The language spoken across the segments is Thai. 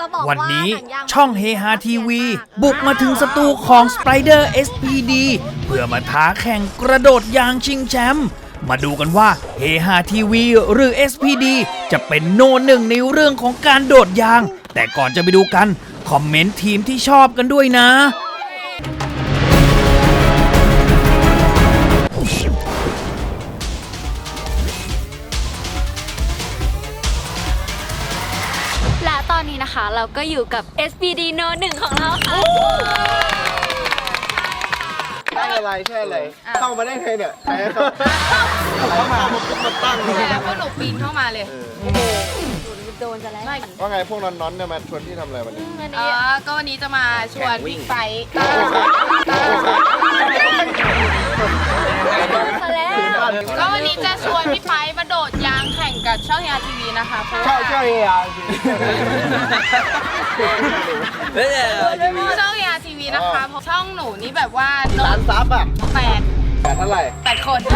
วันนี้ช่องเฮฮาทีวีบุกมาถึงสตูของ Spider SPD เพื่อมาท้าแข่งกระโดดยางชิงแชมป์มาดูกันว่าเฮฮาทีวีหรือ SPD จะเป็นโนหนึ่งในเรื่องของการโดดยางแต่ก่อนจะไปดูกันคอมเมนต์ทีมที่ชอบกันด้วยนะและตอนนี้นะคะเราก็อยู่กับ SPD No 1ของเราค่ะใช่อะไรเข้ามาได้ไงเนี่ยใครเข้ามาตั้งเลยพวกหนูปีนเข้ามาเลยโดนจะแล้วว่าไงพวกน้อนๆเนี่ยมาชวนพี่ทำอะไรวันนี้ก็วันนี้จะมาชวนบิ๊กไฟก็วันนี้จะชวนพี่ไฟมาโดดยางแข่งกับช่องเฮียทีวีนะคะช่องเฮียช่องเฮียทีวีนะคะช่องหนูนี่แบบว่าล้านซับอ่ะ8เท่าไหร่ 8 คน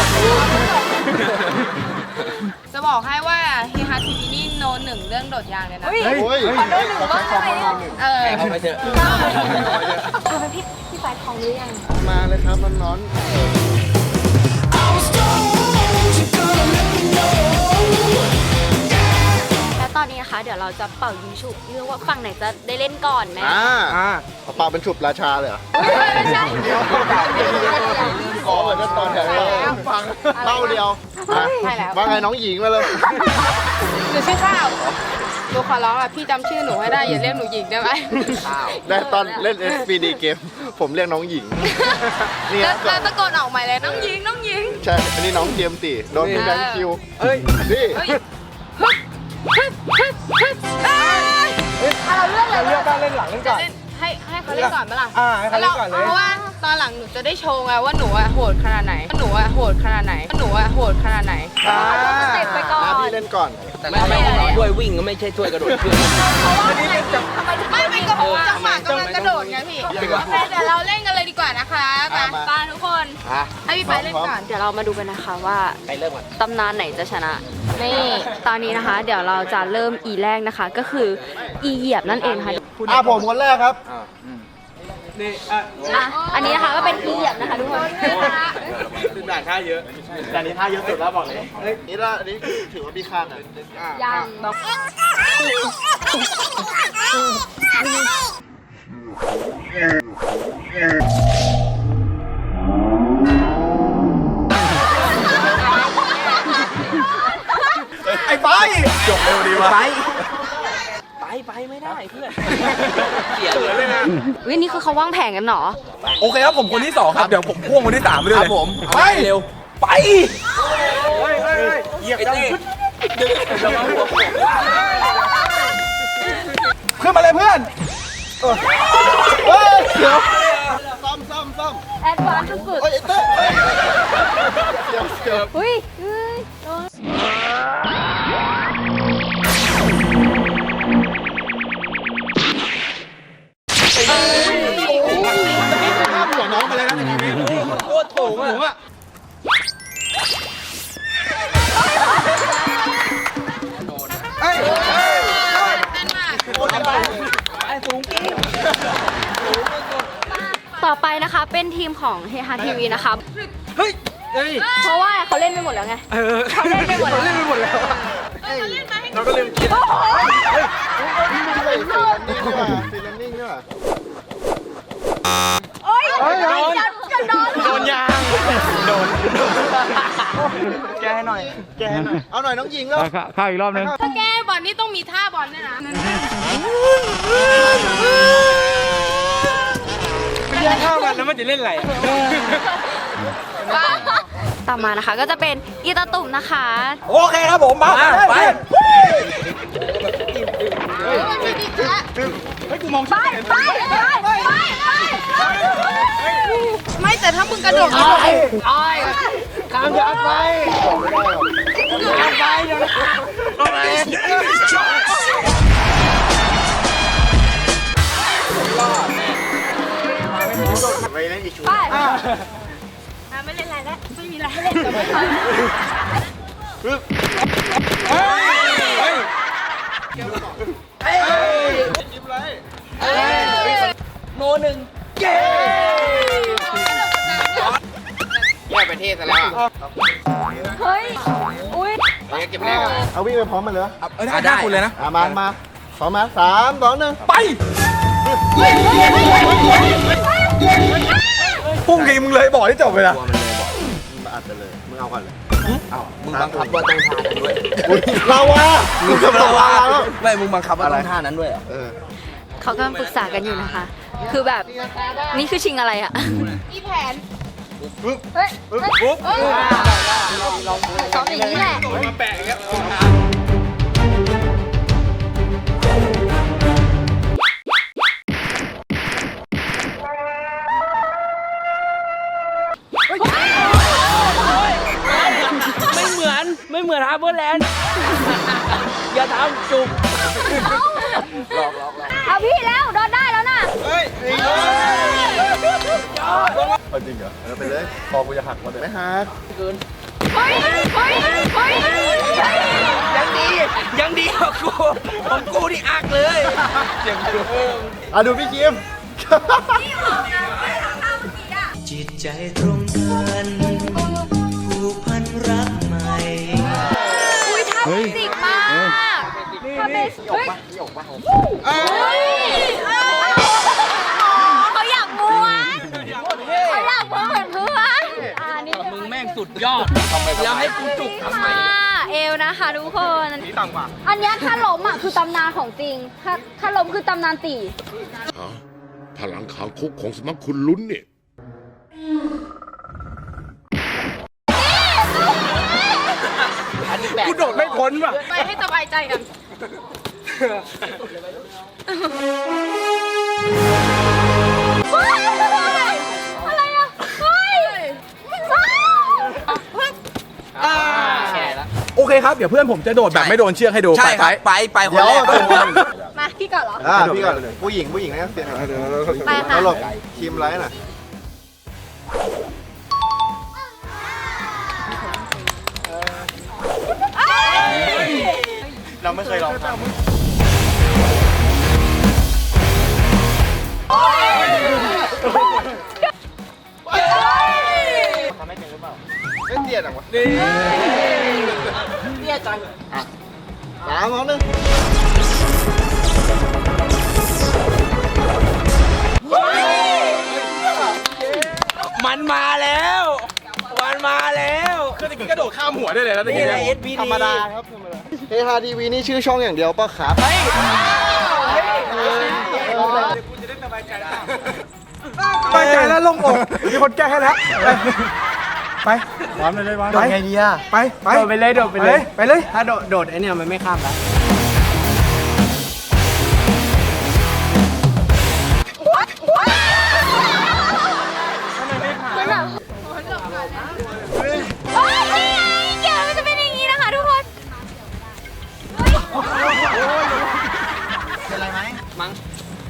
จะบอกให้ว่าเฮียทีวีนี่โนหนึ่งเรื่องโดดยางเลยนะขอโดนหนึ่งบ้างเลยเอาไปเถอะเอาไปพี่ไฟทองหรือยังมาเลยครับน้อนและตอนนี้นะคะเดี๋ยวเราจะเป่ายิงฉุบเรื่องว่าฝั่งไหนจะได้เล่นก่อนไหมเป่าเป็นฉุบราชาเลยเหรอไม่ใช่อ๋อเหมือนตอนแถวฟังเล่าเดียวว่าไงน้องหญิงมาเลยหนูชื่อข้าวหนูขอร้องอ่ะพี่จำชื่อหนูให้ได้อย่าเรียกหนูหญิงได้ไหมได้ตอนเล่น SPD เกมผมเรียกน้องหญิงนี่แล้วตะโกนออกใหม่เลยน้องหญิงใช่อันนี้น้องเจมส์ตีโดนพี่แบงค์คิวนี่เราเลือกบ้างเล่นหลังเล่นก่อนให้เขาเล่นก่อนไหมล่ะให้เขาเล่นก่อนเลยเพราะว่าตอนหลังหนูจะได้โชว์ไงว่าหนูโหดขนาดไหนเตะไปก่อนพี่เล่นก่อนแต่ไม่ช่วยวิ่งก็ไม่ใช่ช่วยกระโดดขึ้นไม่ก็จังหวะกำลังกระโดดไงพี่เดี๋ยวเราเล่นกันเลยดีกว่านะคะไปทุกคนให้พี่ไปเล่นก่อนเดี๋ยวเรามาดูกันนะคะว่าตำนานไหนจะชนะนี่ตอนนี้นะคะเดี๋ยวเราจะเริ่มอีแรกนะคะก็คืออีเหยียบนั่นเองค่ะผมคนแรกครับอันนี้นะคะก็เป็นอีเหยียบนะคะทุกคนด่านท่าเยอะแต่นี้ท่าเยอะสุดแล้วบอกเลยนี่ละอันนี้ถือว่าพี่ข้างอ่ะยังไอ้ไปจบเร็วดีวะไปไม่ได้เพื่อนเสียเลยนะวินี่คือเขาวางแผนกันเหรอโอเคครับผมคนที่2ครับเดี๋ยวผมพ่วงคนที่3ไปด้วยเลยผมไปเร็วไปเหยียบจังขึ้นมาเลยเพื่อนเดี๋ยวซ่อมแอดวานซ์สุดอุ้ยหัวน้องมาเลยนะโคตรโถงอ่ะต่อไปนะคะเป็นทีมของเฮฮาทีวีนะคะเพราะว่าเขาเล่นไปหมดแล้วไงเขาเล่นไปหมดแล้วเราก็ลืมคิดฟีลลิ่งด้วยโดนยางแกให้หน่อยเอาหน่อยน้องหญิงแล้วข้าวอีกรอบนึงถ้าแก้บอลนี่ต้องมีท่าบอลด้วยนะไม่แย่งข้าวกันแล้วมันจะเล่นอะไรต่อมานะคะก็จะเป็นอีตาตุ่มนะคะโอเคครับผมมาไปให้กูมองไปไม่แต่ถ้ามึงกระโดดข้ามยางไปเดี๋ยวไปเล่นอีกชุดไม่เล่นอะไรแล้วไม่มีอะไรให้เล่นกับเขาโนหนึ่งเย้แยกประเทศซะแล้วเฮ้ย อุ้ยเก็บแรกอะเอาวิ่งไปพร้อมมันเลยได้คุณเลยนะมาพร้อมมา3 2 1 ไปพุ่งทีมึงเลยบอกที่จบเลยนะมันอัดไปเลยมึงเอาก่อนเลยมึงบังคับว่าต้องทานนั้นด้วยเราวะมึงจะเราวะแล้วไม่มึงบังคับว่าต้องทานนั้นด้วยเขากำลังปรึกษากันอยู่นะคะ คือแบบ นี่คือชิงอะไรอะมีแผนปุ๊บซ้อมอย่างนี้แหละมาแปะอย่างเงี้ย ไม่เหมือนฮาร์เบอร์แลนด์ อย่าทำจุกเอาพี่แล้วโดนได้แล้วนะจริงเหรอไปเลยคอกูจะหักมาเลยไม่หักเฮ้ย เฮ้ย เฮ้ยยังดีกว่ากูของกูนี่อักเลยเจ็บอยู่ดูพี่คิมจิตใจตรงกันผูกพันรักใหม่อุ้ยท่าเบสิกมากท่าเบสิกเฮ้ยเขาอยากม้วนเขาอยากม้วนเหมือนเพื่อนนี่มึงแม่งสุดยอดแล้วให้กูจุกทำไมเอวนะคะทุกคนนี่ต่ำกว่าอันเนี้ยถ้าล้มอ่ะคือตำนานของจริง ถ้าล้มคือตำนานตีพลังขางคุกของสมัครคุณลุ้นเนี่ยกูโดดไม่พ้นว่ะไปให้สบายใจกันอะไรอ่ะ เฮ้ยโอเคครับ เดี๋ยวเพื่อนผมจะโดดแบบไม่โดนเชือกให้ดูใช่ครับไปคนแรกมาพี่ก่อนเหรอพี่ก่อนผู้หญิงนะเสียงไปค่ะแล้วหลบคิมไลท์น่ะเราไม่เคยลองทำเล่นเตี้ยจังวะนี่เตี้ยจัง3 2 มันมาแล้วมันมาแล้วคือตะกี้กระโดดข้ามหัวได้เลยแล้วตะกี้เนี่ย 1ธรรมดาครับธรรมดาเฮฮาทีวีนี่ชื่อช่องอย่างเดียวป่ะครับไปใจแล้วลงอกมีคนแก้ให้แล้วไปวางเลยวางไงดีอ่ะไปโดดไปเลยโดดไปเลยไปเลยถ้าโดดไอเนี่ยมันไม่ข้ามแล้วเฮ้ยนี่ไงเกี่ยวมันจะเป็นอย่างนี้นะคะทุกคนเป็นไรไหมมั้ง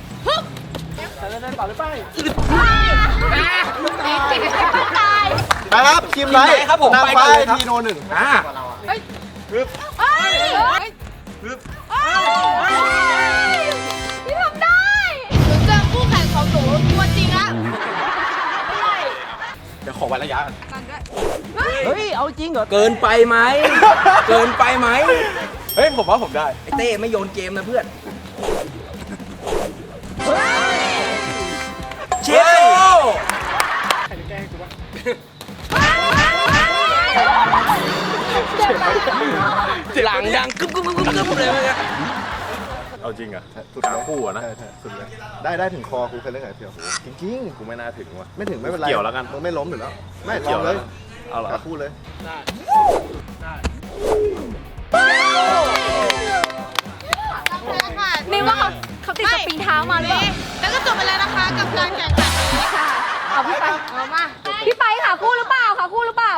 ตายนะครับคิมไลท์ครับผมนางไปฟ้ากันเลยครับทีโน 1 พี่ทำได้หนูเจอคู่แข่งของหนูตัวจริงละเดี๋ยวขอวัดระยะกันเฮ้ยเอาจริงเหรอเกินไปไหมเกินไปไหมเฮ้ยผมว่าผมได้ไอเต้ไม่โยนเกมนะเพื่อนเชี่ยว หลังดังกึ๊บเลยมั้ยเอาจริงอ่ะสุดแล้วคู่อ่ะนะสุดเลยได้ถึงคอกูเคยเล่นไงเพียวจริงๆกูไม่น่าถึงว่ะไม่ถึงไม่เป็นไรเกี่ยวแล้วกันมึงไม่ล้มอยู่แล้วไม่เกี่ยวเลยเอาเหรอคู่เลยมินว่าเขาติดสปริงเท้ามาหรือเปล่าแล้วก็จบไปแล้วนะคะกับการแข่งขันนี้ค่ะ เอาพี่ไปเอามาพี่ไปค่ะคู่หรือเปล่าค่ะคู่หรือเปล่า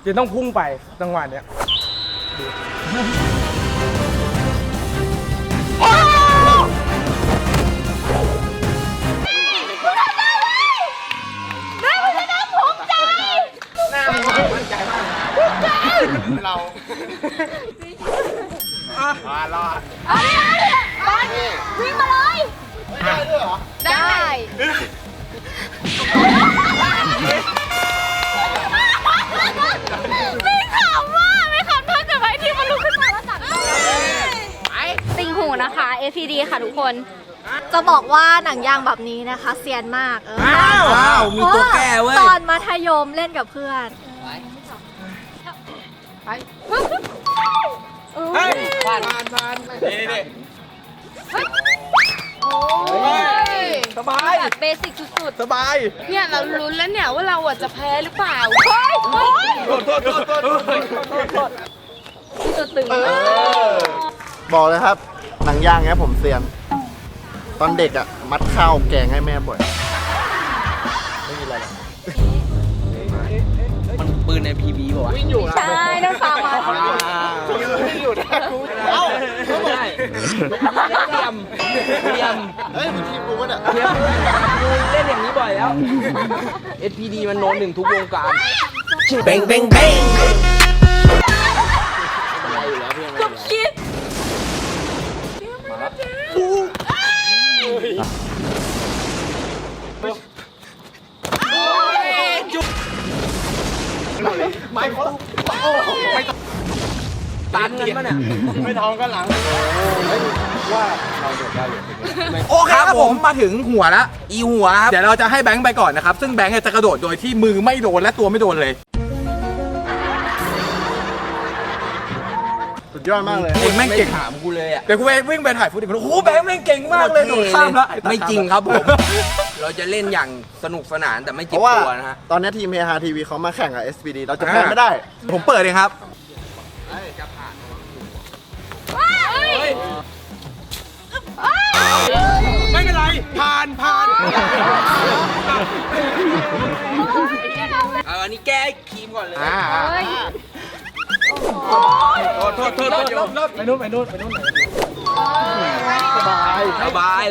จะต้องพุ่งไปจังหวะเนี้ยวิ่งมาเลยได้ด้วยเหรอได้ไม่ขำว่าไม่ขำถ้าเกิดไว้ที่มันลุกขึ้นมาแล้วจับติงหูนะคะ FPD ค่ะทุกคนจะบอกว่าหนังยางแบบนี้นะคะเซียนมากว้าวมีตัวแก้เว้ยตอนมัธยมเล่นกับเพื่อนผ่านนี่สบายแบบเบสิกสุดสบายๆเนี่ยเราลุ้นแล้วเนี่ยว่าเราจะแพ้หรือเปล่าๆตัวตึงบอกเลยครับ หนังยางเนี้ยผมเซียน ตอนเด็กอ่ะ มัดข้าวแกงให้แม่บ่อย ไม่มีอะไรหรอกมันปืนใน PB ป่าวะใช่ได้ฟังมาวิ่งอยู่นะกูเอ้าไม่ได้เตรียมเฮ้ยมันทีมกูวะเนี่ยกูเล่นอย่างนี้บ่อยแล้ว SPD มันโนน1ทุกวงการเบ้งเบ้งเบ้งอะไรอยู่แล้วพี่ก็คิดตันกันปะเนี่ยไม่ท้องก็หลังโอเคครับผมมาถึงหัวแล้วอีหัวครับเดี๋ยวเราจะให้แบงค์ไปก่อนนะครับซึ่งแบงค์เนี่ยจะกระโดดโดยที่มือไม่โดนและตัวไม่โดนเลยสุดยอดมากเลยเองแม่งเก่งถามกูเลยอ่ะเดี๋ยวกูไปวิ่งไปถ่ายฟุตอีกคนโอ้โหแบงค์แม่งเก่งมากเลยโดดข้ามแล้วไม่จริงครับผม เราจะเล่นอย่างสนุกสนานแต่ไม่เพเจ็บราะว่าตัวนะฮะตอนนี้ทีมเฮฮาทีวีเขามาแข่งกับ SPD เราจะแพ้ไม่ได้ผมเปิดเองครับ ไม่เป็นไรผ่านอันนี้แก้ครีมก่อนเลยโทษไปนู่นหน่อยสบาย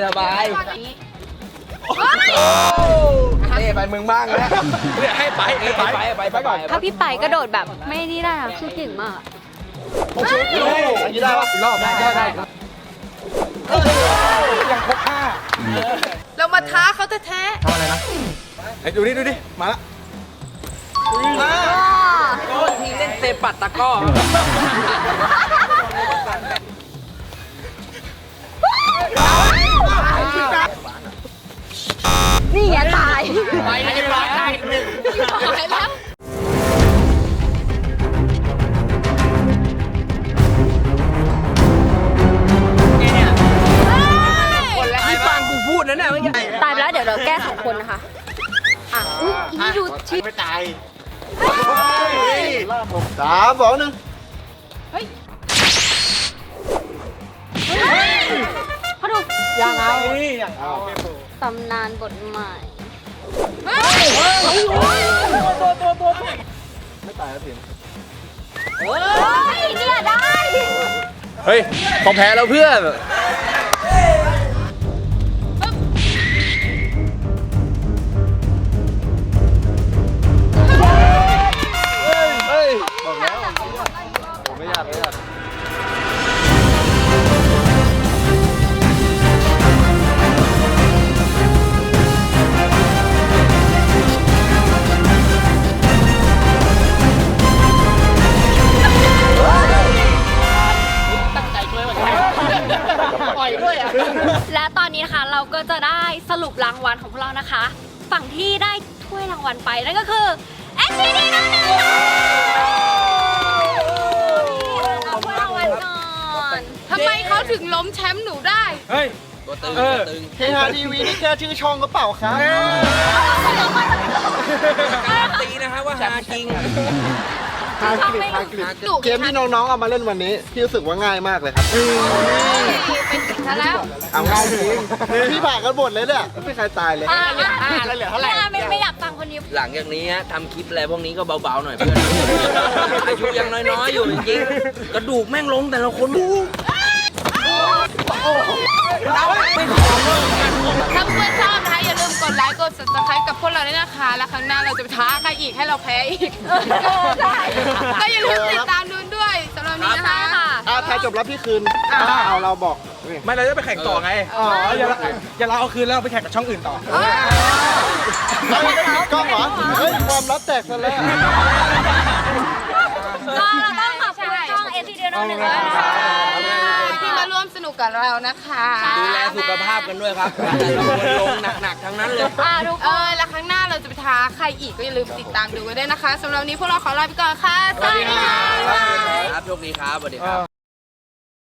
เต้ไปมึงบ้างแล้วให้ไปก่อนถ้าพี่ไปกระโดดแบบไม่นี่ได้นะคือเก่งมากอันนี้ได้ปะอีกรอบได้ยังครบห้าเรามาท้าเขาแท้ทำอะไรนะไอ้ดูดิมาละโทษทีเล่นเตะปัดตะก้อนี่ไงตายไปเลยไปได้หนึ่งตายแล้วนี่ฟังกูพูดนะเนี่ยไม่ใช่ตายไปแล้วเดี๋ยวเราแก้2 คนนะคะ อ่ะอุ๊ยอีดูชิปไม่ตาย 3 2 1 เขาดูอย่างเอาตำนานบทใหม่ไม่ตายแล้วพิมเฮ้ยเนี่ยได้เฮ้ยของแพ้แล้วเพื่อนเฮ้ยบอกแล้วผมไม่อยากและตอนนี้นะคะเราก็จะได้สรุปรางวัลของพวกเรานะคะ ฝั่งที่ได้ถ้วยรางวัลไปนั่นก็คือ SPD นั่นเองเอาถ้วยรางวัลก่อนๆทำไมเขาถึงล้มแชมป์หนูได้เฮ้ยตัวตึงเฮฮาทีวีนี่แค่ชื่อช่องก็เปล่าครับการันตีนะฮะว่าหาจริงฮาร์ดกริดฮาร์ดกริดเกมที่น้องๆเอามาเล่นวันนี้พี่รู้สึกว่าง่ายมากเลยครับเป็นถึงซะแล้วเอาง่ายจริงพี่ผ่านกันหมดเลยเนี่ยไม่มีใครตายเลยแล้วเหลือเท่าไหร่ไม่อยากฟังคนนี้หลังจากนี้ทำคลิปอะไรพวกนี้ก็เบาๆหน่อยเพื่อนอายุยังน้อยๆอยู่จริงๆกระดูกแม่งลงแต่ละคนถ้าเพื่อนชอบนะคะอย่าลืมกดไลค์กด subscribe กับพวกเราด้วยนะคะ แล้วครั้งหน้าเราจะไปท้าใครอีกให้เราแพ้อีกก็อย่าลืมติดตามดูด้วยสำหรับนี้นะคะใครจบแล้วพี่คืนเอาเราบอกไม่เราจะไปแข่งต่อไงอย่าเราเอาคืนแล้วเราไปแข่งกับช่องอื่นต่อเอาไม่ได้ปิดกล้องเหรอเฮ้ยความลับแตกซะแล้วก็เราต้องขอบคุณช่อง STD 1ด้วยนะคะที่มาร่วมสนุกกับเรานะคะดูแลสุขภาพกันด้วยครับแต่ละคนลงหนักๆทั้งนั้นเลยทุกคนแล้วครั้งหน้าเราจะไปท้าใครอีกก็อย่าลืมติดตามดูกันด้วยนะคะสำหรับวันนี้พวกเราขอลาไปก่อนค่ะ สวัสดีค่ะครับโชคดีครับสวัสดีครับ